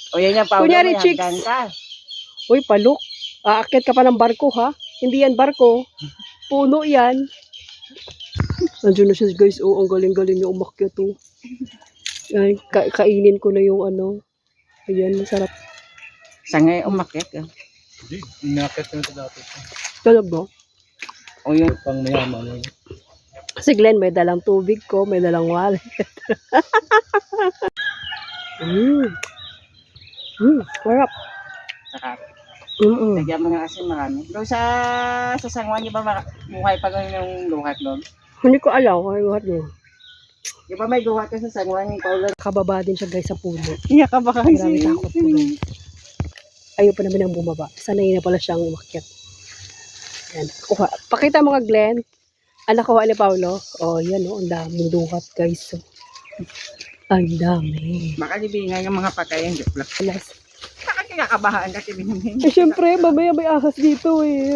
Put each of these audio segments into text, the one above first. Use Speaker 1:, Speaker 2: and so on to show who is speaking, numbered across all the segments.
Speaker 1: O yan yung Paolo,
Speaker 2: Kunyari,
Speaker 1: may
Speaker 2: chicks.
Speaker 1: hanggang ka.
Speaker 2: Uy, palok. Aakyat ka pa ng barko, ha? Hindi yan barko. Puno yan. Nandiyan na siya, guys. Oh, ang galing-galing niya umakyat, oh. Ay, kainin ko na yung ano. Ayan, masarap.
Speaker 1: Sa ngayon, umakit ka.
Speaker 3: Hindi, inakit ko na ito dati.
Speaker 2: Talaga?
Speaker 1: O yun.
Speaker 3: Pang mayaman.
Speaker 2: Si Glenn, may dalang tubig ko, may dalang wallet. Sarap.
Speaker 1: Saka,
Speaker 2: Mm-mm.
Speaker 1: lagyan mo nga kasi marami. Doon sa sangwan, di ba buhay pa ganun yung luhat doon?
Speaker 2: Hindi ko alam kung ano yun.
Speaker 1: Di ba may luhat ka sa sangwan yung Paolo?
Speaker 2: Kababa din siya, guys, sa puno.
Speaker 1: Iya ka ba kasi?
Speaker 2: Grabe takot ko, guys. Ayaw pa naman ang bumaba. Sanay na pala siyang umakyat. Yan. Kuha. Pakita mo nga, Glenn. Ang nakuha ni Paolo. Oh, yan, oh. Ang daming duhat, guys. Oh. Ang dami.
Speaker 1: Baka libingan yung mga patayan.
Speaker 2: Alas.
Speaker 1: Bakit kinakabahaan kasi binigyan?
Speaker 2: Eh, syempre, mamaya may ahas dito, eh.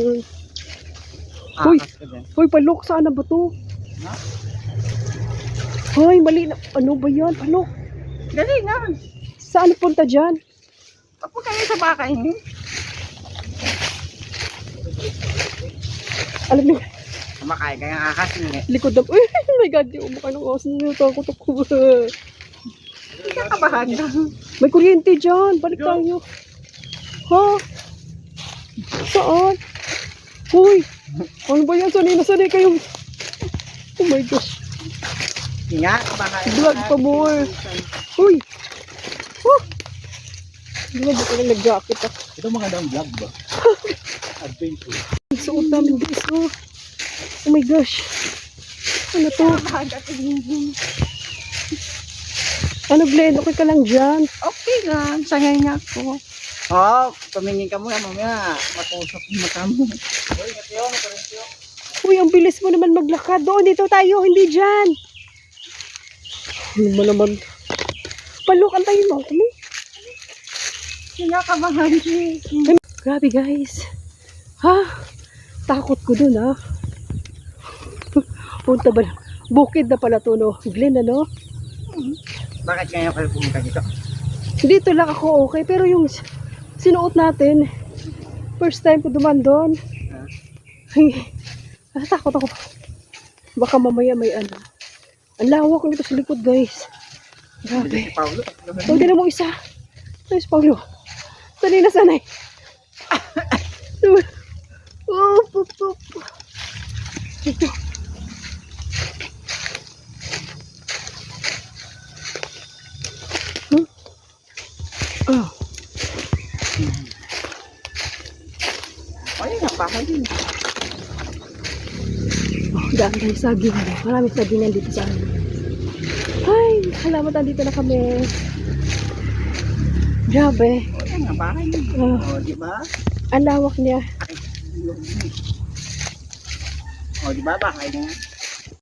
Speaker 2: Uy.
Speaker 1: Akas ka dyan.
Speaker 2: Hoy, palok, saan na ba to?
Speaker 1: Ha?
Speaker 2: Hoy, mali na. Ano ba yan? Palok.
Speaker 1: Dali na.
Speaker 2: Saan punta dyan?
Speaker 1: Papo kayo sa baka ini.
Speaker 2: Alam niyo,
Speaker 1: Kumakain ka yung akas niya.
Speaker 2: likod na. Uy, oh my God, di umaka ng ahas. Natakot ako.
Speaker 1: Kinakabahan ka.
Speaker 2: May kuryente dyan. Balik tayo. Ha? Saan? Hoy, ano ba yan? Sanay kayong... Oh my gosh.
Speaker 1: Kinakabahan.
Speaker 2: Vlog pa more. Hoy! Oh! Hindi ba ko lang nag-jacket ah.
Speaker 3: Ito magandang vlog ba? Adventure.
Speaker 2: Suot namin guys oh. Oh my gosh. Ano to?
Speaker 1: Kinakabahan ka kasi.
Speaker 2: Ano Glenn? Okay ka lang dyan?
Speaker 1: Okay lang. Sangay niya ako. Oh, tumingin ka muna mamaya. Matusok yung mata mo. Uy, katiyo, maturensyo.
Speaker 2: Uy, ang bilis mo naman maglakad. Doon, dito tayo. Hindi dyan. Ano ba naman? Palok, antayin mo. Kami.
Speaker 1: Kinakabahan siya.
Speaker 2: Grabe guys. Ha? Takot ko dun ha. Punta ba? Bukid na pala to no. Glenn ano?
Speaker 1: Bakit ngayon kayo pumunta dito?
Speaker 2: Dito lang ako okay. Pero yung sinuot natin, first time ko duman doon. Natakot ako. Baka mamaya may ano. Ang lawak nito sa likod guys. Grabe.
Speaker 1: Paulo.
Speaker 2: Huwag na mo isa. Ayos Paulo. Sanay na sanay. Oh, pup, pup. Ito. Oh.
Speaker 1: Ayun ang bahay din.
Speaker 2: Oh, dami tayo saging. Maraming sagingan dito sa amin. Ay, salamat nandito na kami. Grabe.
Speaker 1: Ayun ang bahay din.
Speaker 2: Oh,
Speaker 1: O, di ba?
Speaker 2: ang lawak niya.
Speaker 1: O, di ba bahay niya?